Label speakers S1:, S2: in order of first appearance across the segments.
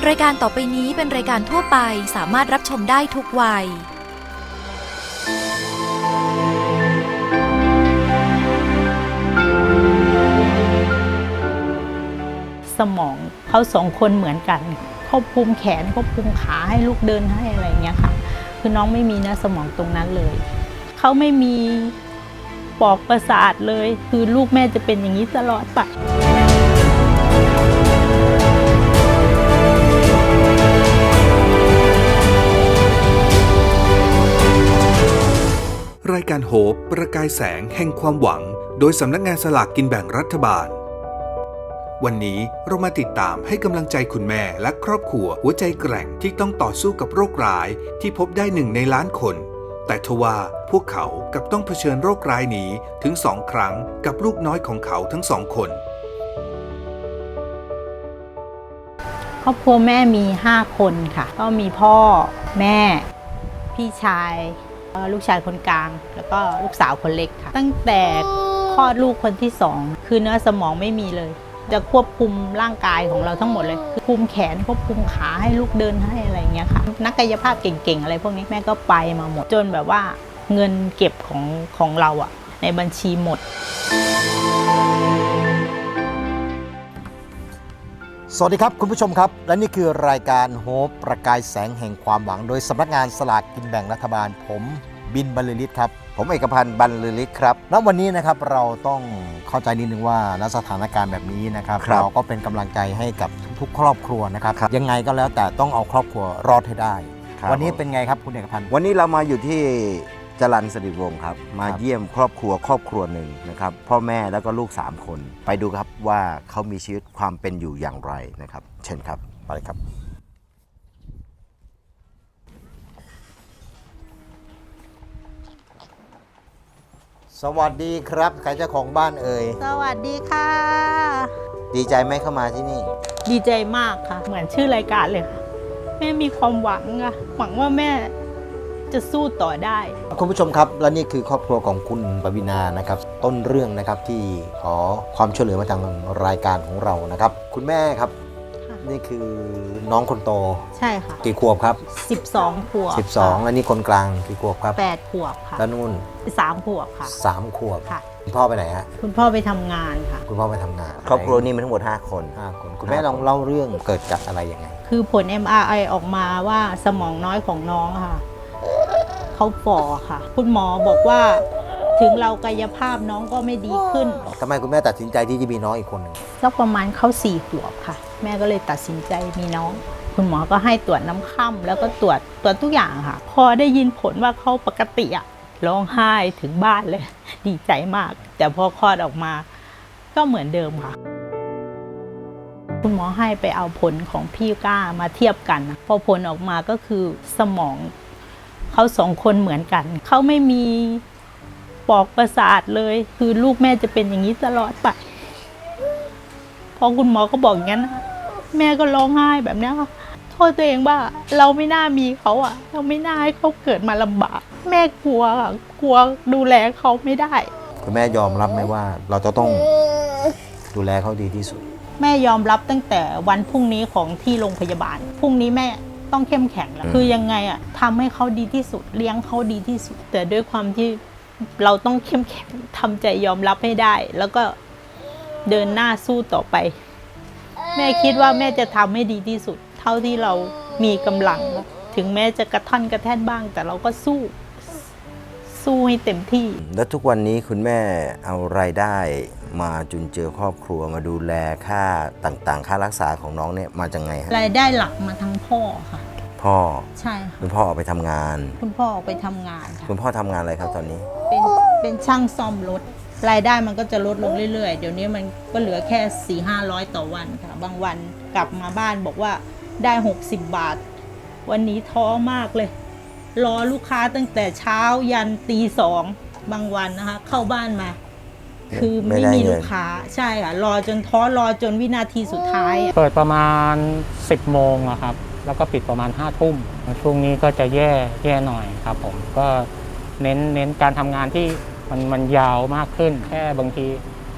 S1: รายการต่อไปนี้เป็นรายการทั่วไปสามารถรับชมได้ทุกวัย
S2: สมองเขาสองคนเหมือนกันควบคุมแขนควบคุมขาให้ลูกเดินให้อะไรเงี้ยค่ะคือน้องไม่มีเนื้อสมองตรงนั้นเลยเขาไม่มีปอกประสาทเลยคือลูกแม่จะเป็นอย่างนี้ตลอดไป
S3: รายการโฮปประกายแสงแห่งความหวังโดยสำนักงานสลากกินแบ่งรัฐบาลวันนี้เรามาติดตามให้กำลังใจคุณแม่และครอบครัวหัวใจแกร่งที่ต้องต่อสู้กับโรคร้ายที่พบได้1 ในล้านคนแต่ทว่าพวกเขากลับต้องเผชิญโรคร้ายนี้ถึง2 ครั้งกับลูกน้อยของเขาทั้ง2 คน
S2: ครอบครัวแม่มี5 คนค่ะก็มีพ่อแม่พี่ชายลูกชายคนกลางแล้วก็ลูกสาวคนเล็กค่ะตั้งแต่คลอดลูกคนที่2คือเนื้อสมองไม่มีเลยจะควบคุมร่างกายของเราทั้งหมดเลยคือคุมแขนควบคุมขาให้ลูกเดินให้อะไรเงี้ยค่ะนักกายภาพเก่งๆอะไรพวกนี้แม่ก็ไปมาหมดจนแบบว่าเงินเก็บของเราอะในบัญชีหมด
S4: สวัสดีครับคุณผู้ชมครับและนี่คือรายการโฮปประกายแสงแห่งความหวังโดยสำนักงานสลากกินแบ่งรัฐบาลผมบินบรรลือฤทธิ์ครับผมเอกพันธ์บรรลือฤทธิ์ครับณวันนี้นะครับเราต้องเข้าใจนิดนึงว่าณสถานการณ์แบบนี้นะครับเราก็เป็นกำลังใจให้กับทุกครอบครัวนะครับยังไงก็แล้วแต่ต้องเอาครอบครัวรอดให้ได้วันนี้เป็นไงครับคุณเอกพันธ์
S5: วันนี้เรามาอยู่ที่จรัญสฤษดิ์วงศ์ครับมาเยี่ยมครอบครัวหนึ่งนะครับพ่อแม่แล้วก็ลูก3 คนไปดูครับว่าเขามีชีวิตความเป็นอยู่อย่างไรนะครับเชิญครับไปครับ
S4: สวัสดีครับใครเจ้าของบ้านเอ่ย
S2: สวัสดีค่ะ
S4: ดีใจไหมเข้ามาที่นี่
S2: ดีใจมากค่ะเหมือนชื่อรายการเลยค่ะแม่มีความหวังอะหวังว่าแม่จะสู้ต่อได้
S4: คุณผู้ชมครับและนี่คือครอบครัวของคุณปวีณานะครับต้นเรื่องนะครับที่ขอความช่วยเหลือมาทางรายการของเรานะครับคุณแม่ครับนี่คือน้องคนโต
S2: ใช่ค่ะ
S4: กี่ขวบครับ
S2: 12 ขวบ
S4: 12แล้วนี่คนกลางกี่ขวบครับ
S2: 8 ขวบค่ะ
S4: แล้วนู่น
S2: 3 ขวบค่ะ
S4: 3 ขวบ
S2: ค่ะ
S4: คุณพ่อไปไหนฮะ
S2: คุณพ่อไปทำงานค่ะ
S4: คุณพ่อไปทำงาน
S5: ครอบครัวนี้มีทั้งหมด5 คน
S4: คุณแม่ลองเล่าเรื่องเกิดจากอะไรยังไง
S2: คือผล MRI ออกมาว่าสมองน้อยของน้องค่ะเขาฝ่อค่ะคุณหมอบอกว่าถึงเรากายภาพน้องก็ไม่ดีขึ้น
S4: ทำไมคุณแม่ตัดสินใจที่จะมีน้องอีกคนหนึ่ง
S2: สักประมาณเขา4 ขวบค่ะแม่ก็เลยตัดสินใจมีน้องคุณหมอก็ให้ตรวจน้ำค่ำแล้วก็ตรวจทุกอย่างค่ะพอได้ยินผลว่าเขาปกติอะร้องไห้ถึงบ้านเลยดีใจมากแต่พอคลอดออกมาก็เหมือนเดิมค่ะคุณหมอให้ไปเอาผลของพี่ก้ามาเทียบกันพอผลออกมาก็คือสมองเขา2 คนเหมือนกันเขาไม่มีปอกประสาทเลยคือลูกแม่จะเป็นอย่างนี้ตลอดไปพอคุณหมอก็บอกอย่างนั้นแม่ก็ร้องไห้แบบนี้ค่ะโทษตัวเองว่าเราไม่น่ามีเขาอ่ะเราไม่น่าให้เขาเกิดมาลำบากแม่กลัวค่ะกลัวดูแลเขาไม่ได้
S4: คุณแม่ยอมรับไหมว่าเราจะต้องดูแลเขาดีที่สุด
S2: แม่ยอมรับตั้งแต่วันพรุ่งนี้ของที่โรงพยาบาลพรุ่งนี้แม่ต้องเข้มแข็งแล้วคือยังไงอ่ะทำให้เขาดีที่สุดเลี้ยงเขาดีที่สุดแต่ด้วยความที่เราต้องเข้มแข็งทำใจยอมรับให้ได้แล้วก็เดินหน้าสู้ต่อไปแม่คิดว่าแม่จะทำให้ดีที่สุดเท่าที่เรามีกำลังถึงแม้จะกระท่อนกระแท่นบ้างแต่เราก็สู้ให้เต็มที่
S5: แล้วทุกวันนี้คุณแม่เอารายได้มาจุนเจือครอบครัวมาดูแลค่าต่างๆค่ารักษาของน้องเนี่ยมาจากไงฮะ
S2: รายได้หลักมาทั้งพ่อค่ะ
S5: พ่อ
S2: ใช่ค่ะ
S5: คุณพ่อออกไปทำงาน
S2: คุณพ่อออกไปทำงานค่ะ
S5: คุณพ่อทำงานอะไรครับตอนนี้
S2: เป็นช่างซ่อมรถรายได้มันก็จะลดลงเรื่อยๆเดี๋ยวนี้มันก็เหลือแค่ 400-500 ต่อวันค่ะบางวันกลับมาบ้านบอกว่าได้60 บาทวันนี้ท้อมากเลยรอลูกค้าตั้งแต่เช้ายันตี 2บางวันนะคะเข้าบ้านมาคือไม่มีลูกค้าใช่ค่ะรอจนท้อรอจนวินาทีสุดท้าย
S6: เปิดประมาณ10 โมงครับแล้วก็ปิดประมาณ5 ทุ่มช่วงนี้ก็จะแย่หน่อยครับผมก็เน้นการทำงานที่มันยาวมากขึ้นแค่บางที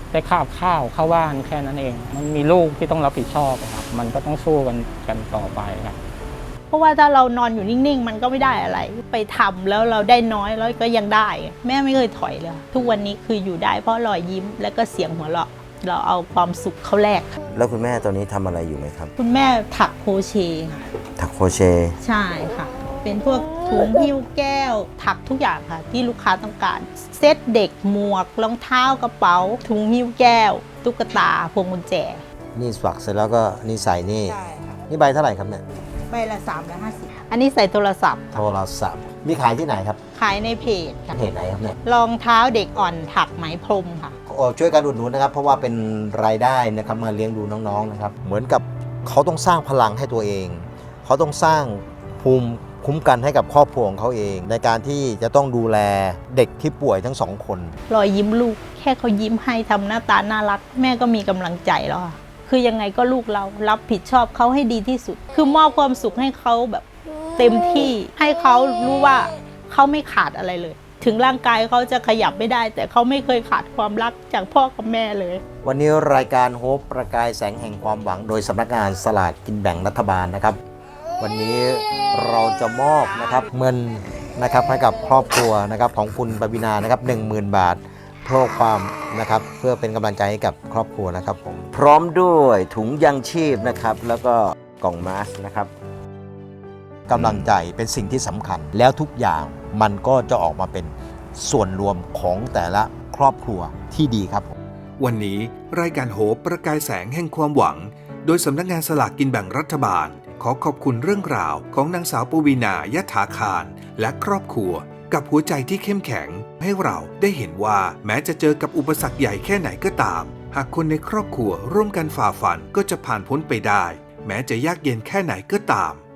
S6: ได้ข้าวเข้าบ้านแค่นั้นเอง มันมีลูกที่ต้องรับผิดชอบครับมันก็ต้องสู้กันต่อไปครับ
S2: เพราะว่าถ้าเรานอนอยู่นิ่งๆมันก็ไม่ได้อะไร ไปทำแล้วเราได้น้อยแล้วก็ยังได้ แม่ไม่เคยถอยเลยทุกวันนี้คืออยู่ได้เพราะรอยยิ้มและก็เสียงหัวเราะเราเอาความสุขเข้าแลก
S5: แล้วคุณแม่ตอนนี้ทำอะไรอยู่ไหมครับ
S2: คุณแม่ถักโครเชต์ค่ะ
S5: ถักโครเชต์
S2: ใช่ค่ะ เป็นพวกถุงหิ้วแก้ว ถักทุกอย่างค่ะที่ลูกค้าต้องการ เซตเด็กหมวกรองเท้ากระเป๋า ถุงหิ้วแก้ว ตุ๊กตาพวงกุญแจ
S5: นี่สักเสร็จแล้วก็นี่ใส่นี่
S2: ใช่ค่ะ
S5: นี่ใบเท่าไหร่ครับเนี่ย
S2: ใบละ350อันนี้ใส่โทรศัพท์
S5: โทรศัพท์มีขายที่ไหนครับ
S2: ขายในเพจค่ะ
S5: เพจไหนครับเนี่ย
S2: รองเท้าเด็กอ่อนถักไหมพรมค่ะ
S5: ช่วยกันอุดหนุนนะครับ เพราะว่าเป็นรายได้นะครับมาเลี้ยงดูน้องๆนะครับ เหมือนกับเขาต้องสร้างพลังให้ตัวเอง เขาต้องสร้างภูมิคุ้มกันให้กับครอบครัวของเขาเอง ในการที่จะต้องดูแลเด็กที่ป่วยทั้งสองคน
S2: รอยยิ้มลูกแค่เขายิ้มให้ทำหน้าตาน่ารัก แม่ก็มีกำลังใจแล้วค่ะคือยังไงก็ลูกเรารับผิดชอบเขาให้ดีที่สุด คือมอบความสุขให้เขาแบบเต็มที่ให้เขารู้ว่าเขาไม่ขาดอะไรเลย ถึงร่างกายเขาจะขยับไม่ได้ แต่เขาไม่เคยขาดความรักจากพ่อกับแม่เลย
S5: วันนี้รายการโฮปประกายแสงแห่งความหวังโดยสำนักงานสลากกินแบ่งรัฐบาลนะครับ วันนี้เราจะมอบนะครับเงินนะครับให้กับครอบครัวนะครับของคุณปวีณานะครับ 10,000 บาทเพื่อความนะครับเพื่อเป็นกำลังใจให้กับครอบครัวนะครับผมพร้อมด้วยถุงยังชีพนะครับแล้วก็กล่องมาสก์นะครับกำลังใจเป็นสิ่งที่สำคัญแล้วทุกอย่างมันก็จะออกมาเป็นส่วนรวมของแต่ละครอบครัวที่ดีครับผม
S3: วันนี้รายการโหบประกายแสงแห่งความหวัง โดยสำนักงานสลากกินแบ่งรัฐบาล ขอขอบคุณเรื่องราวของนางสาวปวีณายถาคารและครอบครัว กับหัวใจที่เข้มแข็งให้เราได้เห็นว่าแม้จะเจอกับอุปสรรคใหญ่แค่ไหนก็ตาม หากคนในครอบครัวร่วมกันฝ่าฟันก็จะผ่านพ้นไปได้ แม้จะยากเย็นแค่ไหนก็ตาม